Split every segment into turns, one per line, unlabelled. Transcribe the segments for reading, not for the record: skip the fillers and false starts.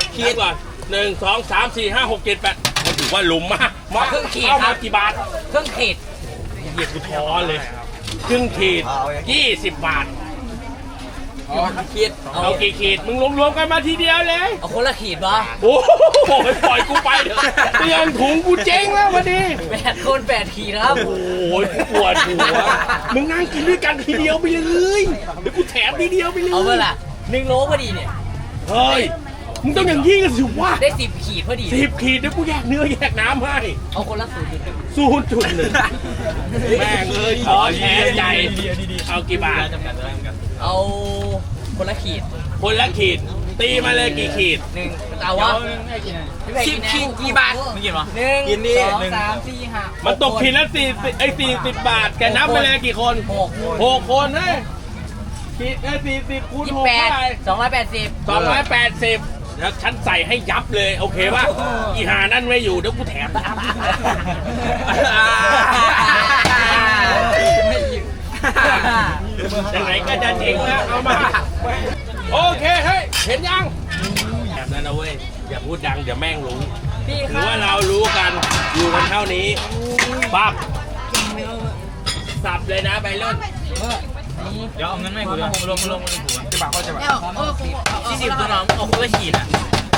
ขีดก่อน1 2 3 4 5 6 7 8มันถือว่าหลุมมากมา
ครึ่งขีด
เข้า
ครั
มา
บ
กี่บาท
เครื่องขีด
เหยียดกูท้อเลยครึ่งขีด20 บาท
ขีด
เอากี่ขีดมึงรวมๆกันมาทีเดียวเลย
เอาคนละขีดวะ
โอ้โหปล่อยกูไปเถอะเตือนถุงกูเจ๊งแล้ววันนี้
8 คน 8 ขีดครับ
โอ้ยปวดหัวมึงนั่งกินด้วยกันทีเดียวไปเลยเดี๋ยวกูแถมทีเดียวไปเลย
เอาเมื่อล่ะ1 โลพอดีเนี่ย
เฮ้ยมึงต้องอย่างนี้กันสิวะ
ได้10 ขีดพอดี
10 ขีดเดี๋ยวกูแยกเนื้อแยกน้ำให้
เอาคนละ0.1
0.1แม่งเอ้ยขอแชร์ใหญ่เอากี่บาท
เอาคนละขีด
คนละขีดตีมาเลยกี่ขีด
1เอาวะ10 ขีดกี่บาทไม่กินหรอ1 2 3 4 5
มันตกขีดละ40 บาทแกนับไปเลยกี่คน 6 คนเฮ้ยขีด40 คูณ 6 เท่าไหร่
28
280แล้วฉันใส่ให้ยับเลยโอเคป่ะอีหานั่นไม่อยู่เดี๋ยวกูแถม ยังไงก็จะเจ๋งแล้วเอามาโอเคเฮ้ยเห็นยังแบบนั้นนะเว้ยอย่าพูดดังเดี๋ยวแม่งรู้
พี่
ถื
ค
อ
รับ
ว่าเรารู้กันอยู่กันเท่านี้ปั๊บสับเลยนะไปรุ่น
เดี๋ยวเอาเงินไม่กูเลยลงหัวจะบาเขาจะบา
40ตัวน้องเอาคนละขีดอ่ะ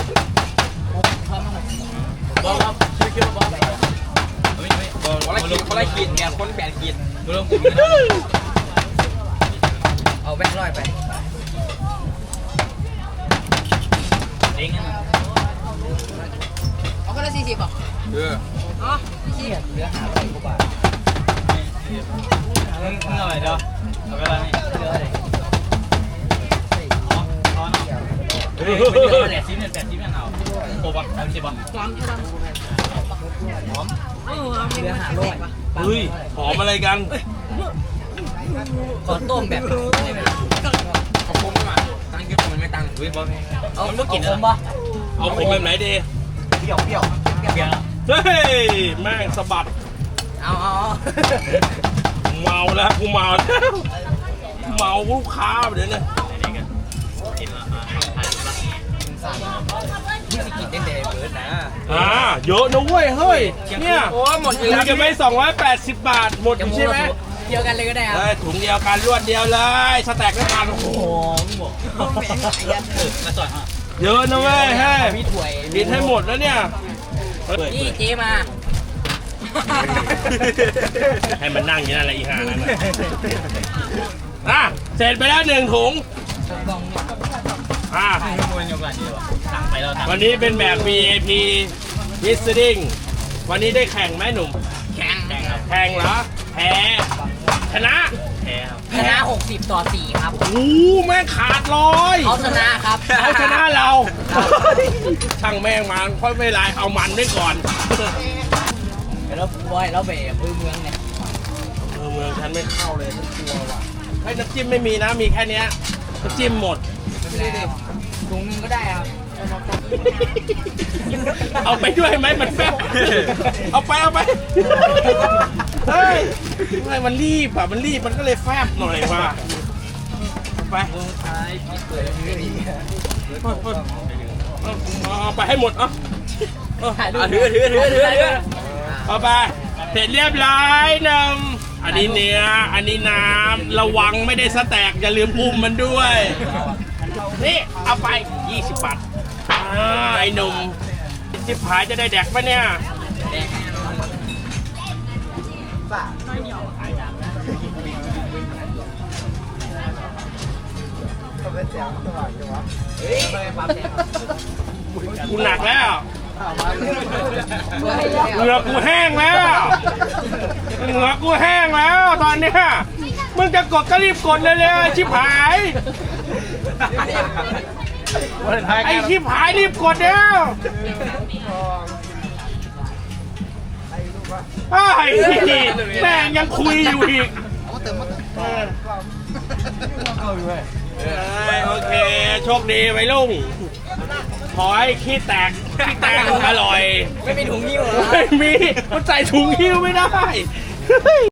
บอกครับคิวบอก
คนละขีดเนี่ยคน8 ขีดกูลงกู
เอาแบงค์ร้อยไป
เองนั่น
เอาคนละ40ป่ะ อ๋อ40
เหลือ500 กว่าบาท
มึงอะไรเดี๋ยวเอาไปอะไร
เหลืออะไร
เฮ้ยมันเดือด8 ชิ้นเนี่ย8 ชิ้นมันเอาโอ้บอล30 บาท
หอมใช่ป่ะหอมเหลือ500ป่ะ
เฮ้ยหอมอะไรกัน
ขอต้มแบบ
เอาคุ้มมาตังค์เยอะมันไม่ตังค์เฮ้ยบอล
เอาลูกกินผมปะ
เอาผมแบบไหนดี
เปรี้ยว
เฮ้ยแม่งสะบัด
เอา
เมาแล้วกูเมาแล้วเมาลูกค้าเดี๋ยวนี้
ที่สิกินเด่นๆเบิร์ดนะ
เยอะนะเว้ยเฮ้ยเนี่ย
โอ้หมด
คุยกันไป280 บาทหมดอยู่ใช่ไหม
เดียวกันเลยก็ได้ครับ
ได้ถุงเดียวกันรวดเดียวเลยสแต็กด้วยกันโอ้โห
มาสอนอ่ะ
เยอะนะเว้ยเฮ้ย
มีถ้วย
กินให้หมดแล้วเนี่ย
นี่เจมา
ให้มันนั่งอย่างนั้นแหละอีห่านั่นเสร็จไปแล้ว1 ถุง
ให้มันยกหลานดีกว่าตังไปแล้วตัง
วันนี้เป็นแบบ VIP Visiting วันนี้ได้แข่งไหมหนุ่ม
แข่ง
แข่งเหรอแพ้ชนะ
แพ้ครับ
ชนะ60-4ครับ
โอ้แม่งขาดลอย
เขาชนะครับ
เขาชนะเรา ช่างแม่งมันค่อยไม่ไรเอามันไว้ก่อน
แล้วบอยแล้วเบะพื้นเมืองเนี่ย
เมืองฉันไม่เข้าเลยฉันกลัวว่ะให้น้ำจิ้มไม่มีนะมีแค่เนี้ยน้ำจิ้มหมด
ถุงนึงก็ได้ครับ
เอาไปด้วยไหมมันแฟบเอาไปเฮ้ยไม่มันรีบอ่ะมันรีบมันก็เลยแฟบหน่อยว่ะเอาไปเอาไปให้หมดถือเอาไปเสร็จเรียบร้อยอันนี้เนื้ออันนี้น้ำระวังไม่ได้สแต็กอย่าลืมอุ้มมันด้วยนี่เอาไป20 บาทไอ้หนุ่มจิบหายจะได้แดกปะเนี่ยกูหนักแล้วเหงื่อกูแห้งแล้วตอนเนี้ยมึงจะกดก็รีบกดเลยชิบหายไอ้ชิบหายรีบกดแล้วไอ้แม่งยังคุยอยู่อีกโอเคโชคดีไว้ลุงขอให้ขี้แตกอร่อย
ไม่มีถุงนิ้วเหรอ
ไม่มีมันใส่ถุงหิ้วไม่ได้